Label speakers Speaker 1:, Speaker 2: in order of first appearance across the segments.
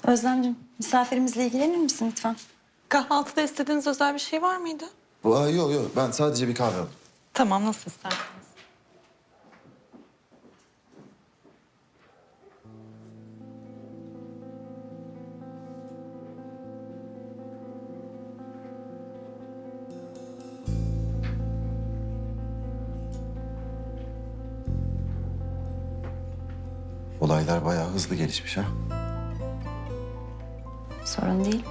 Speaker 1: Özlemciğim, misafirimizle ilgilenir misin lütfen?
Speaker 2: Kahvaltıda istediğiniz özel bir şey var mıydı?
Speaker 3: Yok. Ben sadece bir kahve aldım.
Speaker 2: Tamam, nasıl isterseniz.
Speaker 3: Olaylar bayağı hızlı gelişmiş ha.
Speaker 1: Sorun değil.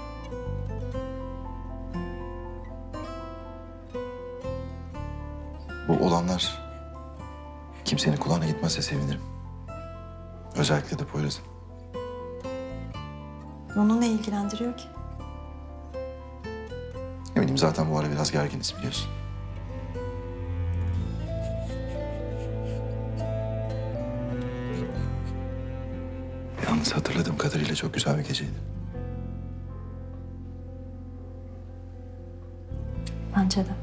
Speaker 3: Bu olanlar kimsenin kulağına gitmezse sevinirim. Özellikle de Poyraz'ın.
Speaker 1: Onu ne ilgilendiriyor ki?
Speaker 3: Eminim zaten bu ara biraz gerginiz biliyorsun. Yalnız hatırladığım kadarıyla çok güzel bir geceydi.
Speaker 1: Bence de.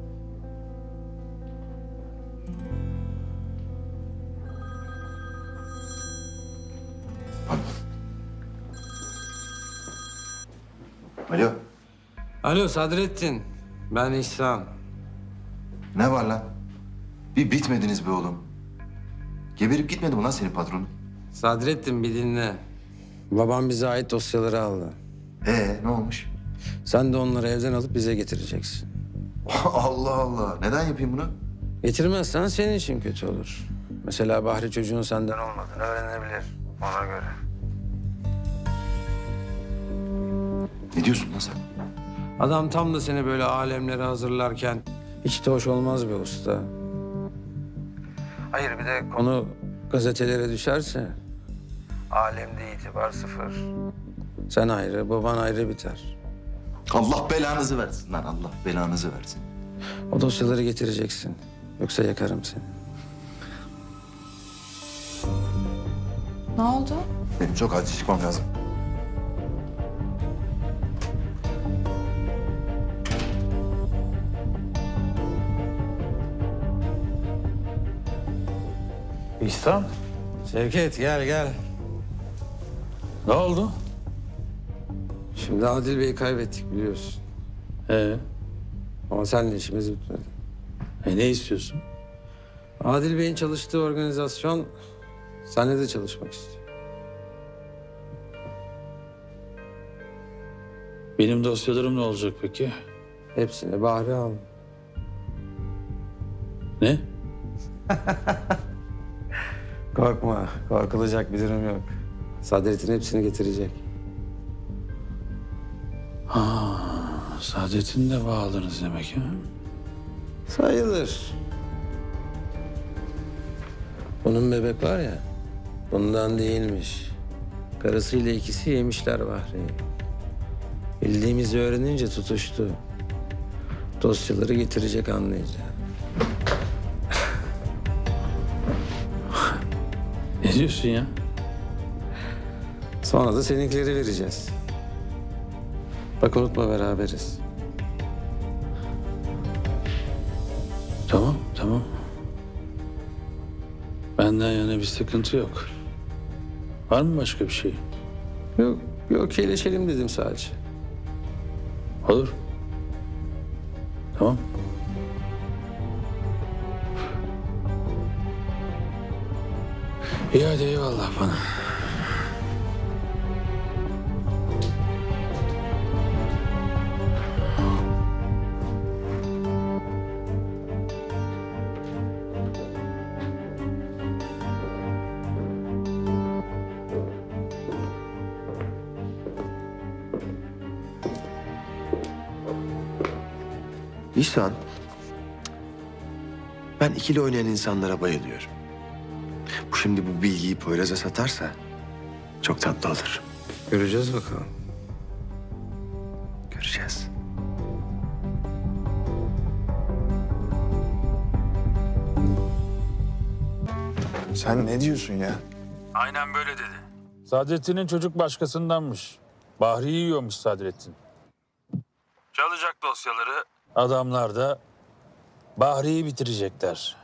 Speaker 3: Pardon. Alo.
Speaker 4: Alo Sadrettin, ben İhsan.
Speaker 3: Ne var lan? Bir bitmediniz be oğlum. Geberip gitmedi mi lan senin patronun?
Speaker 4: Sadrettin bir dinle. Babam bize ait dosyaları aldı.
Speaker 3: Ne olmuş?
Speaker 4: Sen de onları evden alıp bize getireceksin.
Speaker 3: Allah Allah. Neden yapayım bunu?
Speaker 4: Getirmezsen senin için kötü olur. Mesela Bahri çocuğun senden olmadığını öğrenebilir. Ona göre.
Speaker 3: Ne diyorsun lan sen?
Speaker 4: Adam tam da seni böyle alemlere hazırlarken hiç de hoş olmaz be usta. Hayır bir de konu gazetelere düşerse alemde itibar sıfır. Sen ayrı, baban ayrı biter.
Speaker 3: Allah belanızı versin lan. Allah belanızı versin.
Speaker 4: O dosyaları getireceksin. Yoksa yakarım seni.
Speaker 1: Ne oldu?
Speaker 3: Benim çok acil çıkmam lazım.
Speaker 5: İhsan,
Speaker 4: Şevket gel gel.
Speaker 5: ne oldu?
Speaker 4: Şimdi Adil Bey'i kaybettik biliyorsun. Ama seninle işimiz bitmedi.
Speaker 5: Ne istiyorsun?
Speaker 4: Adil Bey'in çalıştığı organizasyon seninle de çalışmak istiyor.
Speaker 5: Benim dosyalarım ne olacak peki?
Speaker 4: Hepsini Bahri aldı.
Speaker 5: Ne?
Speaker 4: Korkma, korkulacak bir durum yok. Sadrettin hepsini getirecek.
Speaker 5: Saadet'in de bağladınız demek ha?
Speaker 4: Sayılır. Bunun bebek var ya, bundan değilmiş. Karısıyla ikisi yemişler Bahri'yi. Bildiğimizi öğrenince tutuştu. Dosyaları getirecek anlayacağım.
Speaker 5: Ne diyorsun ya?
Speaker 4: Sonra da seninkileri vereceğiz. Bak unutma beraberiz.
Speaker 5: Tamam. Benden yana bir sıkıntı yok. Var mı başka bir şey?
Speaker 4: Yok iyileşelim dedim sadece.
Speaker 5: Olur. Tamam. İyi hadi eyvallah bana.
Speaker 6: İhsan, ben ikili oynayan insanlara bayılıyorum. Bu şimdi bu bilgiyi Poyraz'a satarsa çok tatlı olur.
Speaker 4: Göreceğiz bakalım.
Speaker 6: Göreceğiz.
Speaker 3: Sen ne diyorsun ya?
Speaker 5: Aynen böyle dedi. Sadrettin'in çocuk başkasındanmış. Bahri'yi yiyormuş Sadrettin. Çalacak dosyaları. Adamlar da Bahri'yi bitirecekler.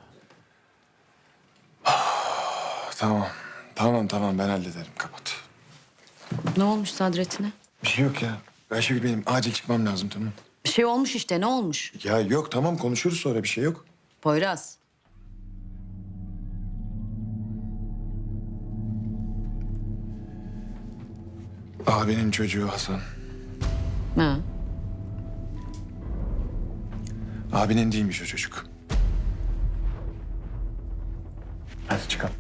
Speaker 3: Tamam ben hallederim. Kapat.
Speaker 7: Ne olmuş Sadrettin'e?
Speaker 6: Bir şey yok ya. Ayşegül benim acil çıkmam lazım tamam.
Speaker 7: Bir şey olmuş işte, ne olmuş?
Speaker 6: Ya yok tamam konuşuruz sonra bir şey yok.
Speaker 7: Poyraz.
Speaker 6: Abinin çocuğu Hasan.
Speaker 7: Ha.
Speaker 6: Abinin değilmiş o çocuk. Hadi çıkalım.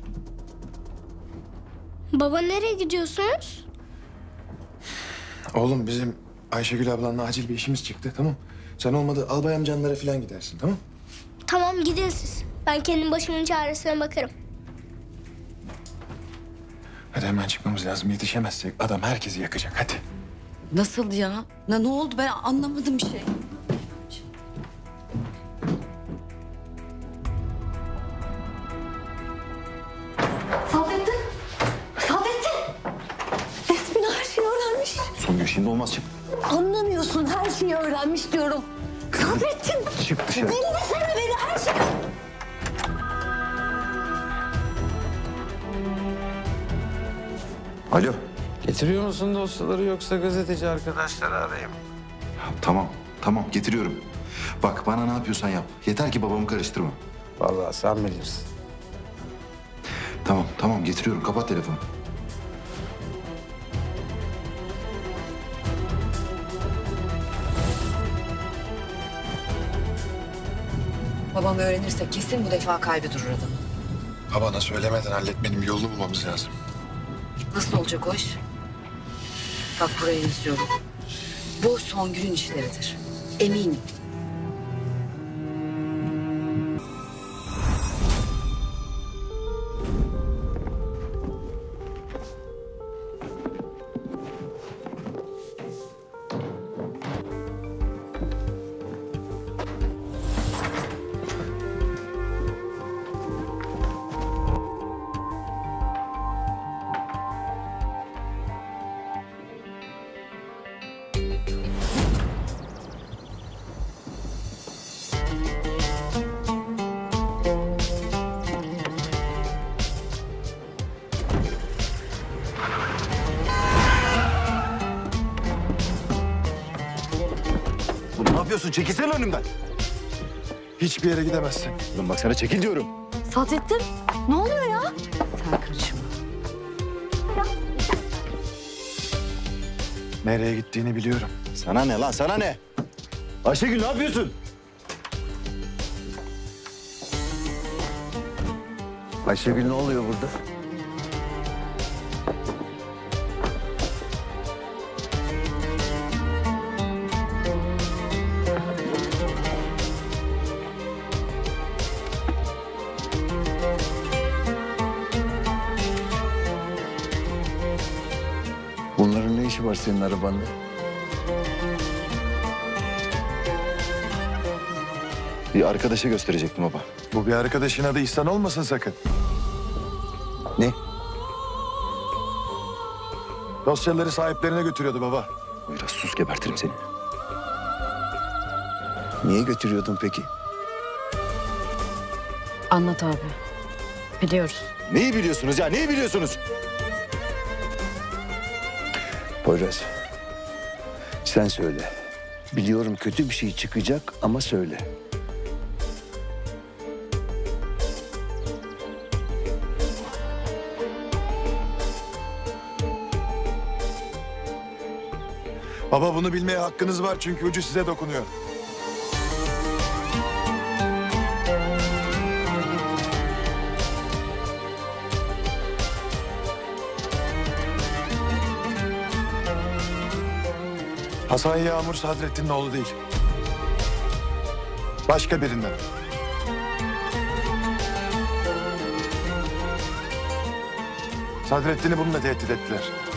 Speaker 8: Baba nereye gidiyorsunuz?
Speaker 6: Oğlum bizim Ayşegül ablanla acil bir işimiz çıktı tamam. Sen olmadı albay amcanlara falan gidersin tamam.
Speaker 8: Tamam gidin siz. Ben kendim başımın çaresine bakarım.
Speaker 6: Hadi hemen çıkmamız lazım. Yetişemezsek adam herkesi yakacak hadi.
Speaker 7: Nasıl ya? Ne oldu, ben anlamadım bir şey.
Speaker 1: Saadettin! Saadettin! Despina her şeyi öğrenmiş.
Speaker 3: Songül şimdi olmaz çık.
Speaker 1: Anlamıyorsun, her şeyi öğrenmiş diyorum. Saadettin!
Speaker 3: Çık dışarı.
Speaker 1: Dinlesene beni, her şeyi...
Speaker 3: Alo.
Speaker 4: Getiriyor musun dosyaları yoksa gazeteci arkadaşları arayayım?
Speaker 3: Tamam, tamam getiriyorum. Bak bana ne yapıyorsan yap. Yeter ki babamı karıştırma.
Speaker 4: Vallahi sen bilirsin.
Speaker 3: Tamam, tamam getiriyorum. Kapat telefonu.
Speaker 7: Babam öğrenirse kesin bu defa kalbi durur adamın.
Speaker 6: Babana söylemeden halletmenin bir yolunu bulmamız lazım.
Speaker 7: Nasıl olacak o iş? Bak buraya yazıyorum. Bu Songül'ün işleridir. Eminim.
Speaker 3: Ne yapıyorsun? Çekilsene önümden.
Speaker 6: Hiçbir yere gidemezsin.
Speaker 3: Oğlum bak sana çekil diyorum.
Speaker 1: Saadettin, ne oluyor ya?
Speaker 7: Sen karışma.
Speaker 6: Nereye gittiğini biliyorum.
Speaker 3: Sana ne lan? Sana ne? Ayşegül ne yapıyorsun?
Speaker 4: Ayşegül ne oluyor burada? Bunların ne işi var senin arabanda?
Speaker 3: Bir arkadaşa gösterecektim baba.
Speaker 6: Bu bir arkadaşın adı İhsan olmasın sakın.
Speaker 4: Ne?
Speaker 6: Dosyaları sahiplerine götürüyordu baba.
Speaker 3: Biraz sus gebertirim seni.
Speaker 4: Niye götürüyordun peki?
Speaker 7: Anlat abi. Biliyoruz.
Speaker 3: Neyi biliyorsunuz ya? Neyi biliyorsunuz?
Speaker 4: Poyraz, sen söyle. Biliyorum kötü bir şey çıkacak ama söyle.
Speaker 6: Baba bunu bilmeye hakkınız var çünkü ucu size dokunuyor. Hasan Yağmur Sadrettin'in oğlu değil. Başka birinden. Sadrettin'i bununla tehdit ettiler.